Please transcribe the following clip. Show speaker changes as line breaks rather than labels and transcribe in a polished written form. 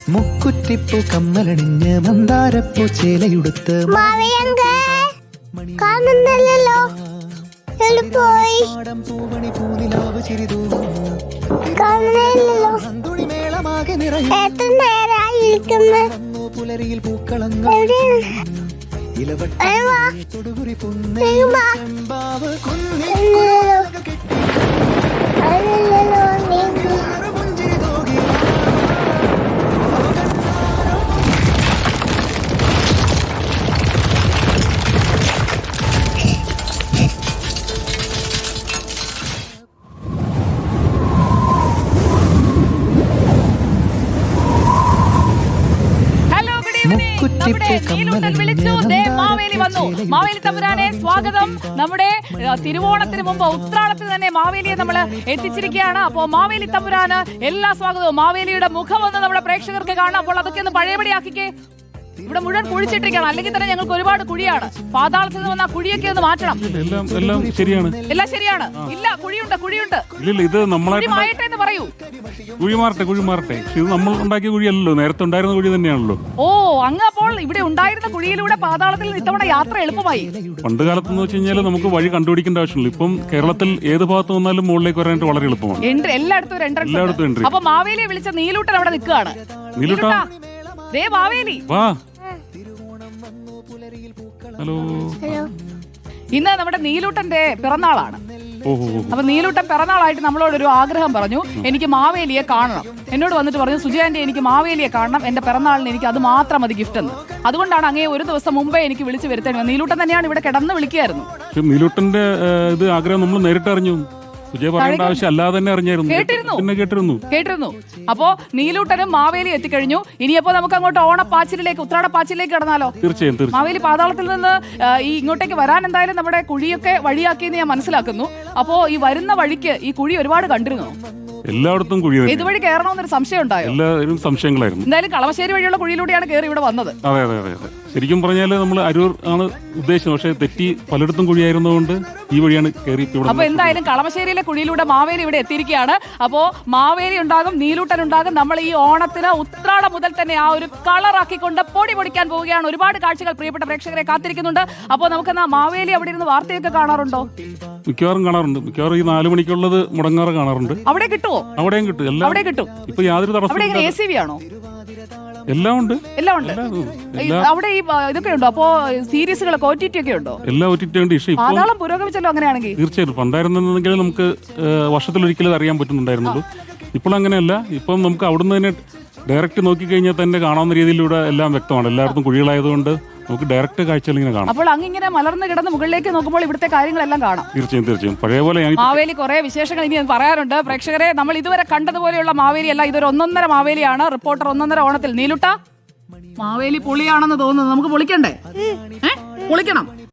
മുക്കുറ്റിപ്പൂ കമ്മലണിഞ്ഞ് മന്ദാരപ്പൂ ചേലയുടുത്ത്
കാണുന്നില്ലല്ലോ.
പൂമണി പൂനിലാവ് ചിരിതൂകും മേളമാകെ പുലരിയിൽ പൂക്കളങ്ങൾ തൊടുകുറി പുന്നമ്പാവ് പുഞ്ചിരി തോകി
മാവേലി തമ്പുരാനെ സ്വാഗതം. നമ്മുടെ തിരുവോണത്തിന് മുമ്പ് ഉത്രാടത്തിന് തന്നെ മാവേലിയെ നമ്മൾ എത്തിച്ചിരിക്കുകയാണ്. അപ്പോൾ മാവേലി തമ്പുരാന് എല്ലാ സ്വാഗതവും. മാവേലിയുടെ മുഖം ഒന്ന് നമ്മുടെ പ്രേക്ഷകർക്ക് കാണാം. അപ്പോൾ അതൊക്കെ ഒന്ന് പഴയപടിയാക്കിക്കേ. ഇവിടെ മുഴുവൻ കുഴിച്ചിട്ടിരിക്കണം, അല്ലെങ്കിൽ തന്നെ ഞങ്ങൾക്ക് ഒരുപാട് കുഴിയാണ്. പാതാളത്തിൽ നിന്ന് വന്ന കുഴിയൊക്കെ ഒന്ന് മാറ്റണം.
എല്ലാം ശരിയാണ്,
എല്ലാം ശരിയാണ്. ഇല്ല, കുഴിയുണ്ട്.
ഇല്ല, ഇത്
നമ്മളായിട്ട് എന്ന് പറയൂ.
കുഴി മാറട്ടെ. ഇത് നമ്മൾ ഉണ്ടാക്കിയ കുഴിയല്ലോ, നേരത്തെ ഉണ്ടായിരുന്ന കുഴി തന്നെയാണല്ലോ.
ഓ, അങ്ങ് അപ്പോൾ ഇവിടെ ഉണ്ടായിരുന്ന കുഴിയിലൂടെ പാതാളത്തിൽ ഇത്തവണ യാത്ര എളുപ്പമായി.
പണ്ട് കാലത്തെന്ന് വെച്ച് കഴിഞ്ഞാൽ നമുക്ക് വഴി കണ്ടുപിടിക്കേണ്ട ആവശ്യമില്ല. ഇപ്പം കേരളത്തിൽ ഏത് ഭാഗത്ത് വന്നാലും മുകളിലേക്ക് വരാനായിട്ട് വളരെ എളുപ്പമാണ്.
എല്ലായിടത്തും എൻട്രി. അപ്പൊ മാവേലിയെ വിളിച്ച നീലൂട്ടൻ അവിടെ നിൽക്കുകയാണ്. നീലൂട്ടാ, ദേ മാവേലി
വാ. ഹലോ.
ഇന്ന് നമ്മുടെ നീലൂട്ടന്റെ പിറന്നാളാണ്. അപ്പൊ നീലൂട്ടൻ പിറന്നാളായിട്ട് നമ്മളോടൊരു ആഗ്രഹം പറഞ്ഞു, എനിക്ക് മാവേലിയെ കാണണം. എന്നോട് വന്നിട്ട് പറഞ്ഞു, സുജയാന്റെ എനിക്ക് മാവേലിയെ കാണണം, എന്റെ പിറന്നാളിന് എനിക്ക് അത് മാത്രം മതി ഗിഫ്റ്റ് എന്ന്. അതുകൊണ്ടാണ് അങ്ങേ ഒരു ദിവസം മുമ്പേ എനിക്ക് വിളിച്ചു വരുത്തേണ്ടി. നീലൂട്ടൻ തന്നെയാണ് ഇവിടെ കിടന്ന് വിളിക്കുകയായിരുന്നു.
നീലൂട്ടന്റെ ഇത് ആഗ്രഹം നമ്മൾ നേരിട്ട് അറിഞ്ഞു. ആവശ്യം അല്ലാതെ തന്നെ അറിഞ്ഞായിരുന്നു.
കേട്ടിരുന്നു. അപ്പോ നീലൂട്ടനും മാവേലി എത്തിക്കഴിഞ്ഞു. ഇനിയപ്പോ നമുക്ക് അങ്ങോട്ട് ഓണപ്പാച്ചിലേക്ക്, ഉത്രാടപ്പാച്ചിലേക്ക് കടന്നാലോ?
തീർച്ചയായും.
മാവേലി പാതാളത്തിൽ നിന്ന് ഈ ഇങ്ങോട്ടേക്ക് വരാൻ എന്തായാലും നമ്മുടെ കുഴിയൊക്കെ വഴിയാക്കിയെന്ന് ഞാൻ മനസ്സിലാക്കുന്നു. അപ്പോ ഈ വരുന്ന വഴിക്ക് ഈ കുഴി ഒരുപാട് കണ്ടിരുന്നു.
എല്ലായിടത്തും കുഴി.
ഇതുവഴി കയറണമെന്നൊരു സംശയം ഉണ്ടായോ?
എല്ലാവരും സംശയങ്ങളായിരുന്നു.
എന്തായാലും കളമശ്ശേരി വഴിയുള്ള കുഴിയിലൂടെയാണ് കയറി ഇവിടെ വന്നത്.
അതെ. ശരിക്കും പറഞ്ഞാൽ നമ്മൾ അരൂർ ആണ് ഉദ്ദേശിച്ചത്, പക്ഷേ തെറ്റി പലയിടത്തും കുഴിയായിരുന്നതുകൊണ്ട് ഈ വഴിയാണ് കയറി.
അപ്പൊ എന്തായാലും കളമശ്ശേരിയിലെ കുഴിയിലൂടെ മാവേലി ഇവിടെ എത്തിയിരിക്കുകയാണ്. അപ്പോ മാവേലി ഉണ്ടാകും, നീലൂട്ടൻ ഉണ്ടാകും. നമ്മൾ ഈ ഓണത്തിന് ഉത്രാടം മുതൽ തന്നെ ആ ഒരു കളറാക്കിക്കൊണ്ട് പൊടി പൊടിക്കാൻ പോവുകയാണ്. ഒരുപാട് കാഴ്ചകൾ പ്രിയപ്പെട്ട പ്രേക്ഷകരെ കാത്തിരിക്കുന്നുണ്ട്. അപ്പൊ നമുക്ക് മാവേലി അവിടെ ഇരുന്ന് വാർത്തയൊക്കെ കാണാറുണ്ടോ?
മിക്കവാറും കാണാറുണ്ട്. മിക്കവാറും ഈ 4 മണിക്കുള്ളത് മുടങ്ങാറ് കാണാറുണ്ട്.
അവിടെ കിട്ടുമോ?
അവിടെയും കിട്ടും.
അവിടെ കിട്ടും.
ഇപ്പൊ യാതൊരു തടസ്സം.
ACV ആണോ?
എല്ലാം ഉണ്ട്.
അവിടെ ഈ ഇതൊക്കെ ഉണ്ടോ? അപ്പോ സീരീസുകളൊക്കെ OTT ഒക്കെ ഉണ്ടോ?
എല്ലാം OTT ഉണ്ട്.
പാതാളം പുരോഗമിച്ചല്ലോ അങ്ങനെയാണെങ്കിൽ.
തീർച്ചയായിട്ടും. പണ്ടായിരുന്നെങ്കിൽ നമുക്ക് വർഷത്തിലൊരിക്കലും അറിയാൻ പറ്റുന്നുണ്ടായിരുന്നുള്ളൂ. ഇപ്പോൾ അങ്ങനെയല്ല. ഇപ്പം നമുക്ക് അവിടുന്ന് തന്നെ ഡയറക്റ്റ് നോക്കിക്കഴിഞ്ഞാൽ തന്നെ കാണാവുന്ന രീതിയിലൂടെ എല്ലാം വ്യക്തമാണ്. എല്ലായിടത്തും കുഴികളായതുകൊണ്ട് നമുക്ക് ഡയറക്റ്റ് കാഴ്ചകൾ ഇങ്ങനെ കാണാം.
അപ്പോൾ അങ്ങിങ്ങനെ മലർന്ന് കിടന്ന് മുകളിലേക്ക് നോക്കുമ്പോൾ ഇവിടുത്തെ കാര്യങ്ങളെല്ലാം കാണാം.
തീർച്ചയായും. പഴയ പോലെ
മാവേലി കുറെ വിശേഷങ്ങൾ ഇനി പറയാറുണ്ട്. പ്രേക്ഷകരെ, നമ്മൾ ഇതുവരെ കണ്ടതുപോലെയുള്ള മാവേലി അല്ല, ഇതൊരു ഒന്നൊന്നര മാവേലിയാണ്. റിപ്പോർട്ടർ ഒന്നൊന്നര ഓണത്തിൽ. നീലുട്ട, മാവേലി പൊളിയാണെന്ന് തോന്നുന്നു. നമുക്ക് പൊളിക്കണ്ടേ? പൊളിക്കണം.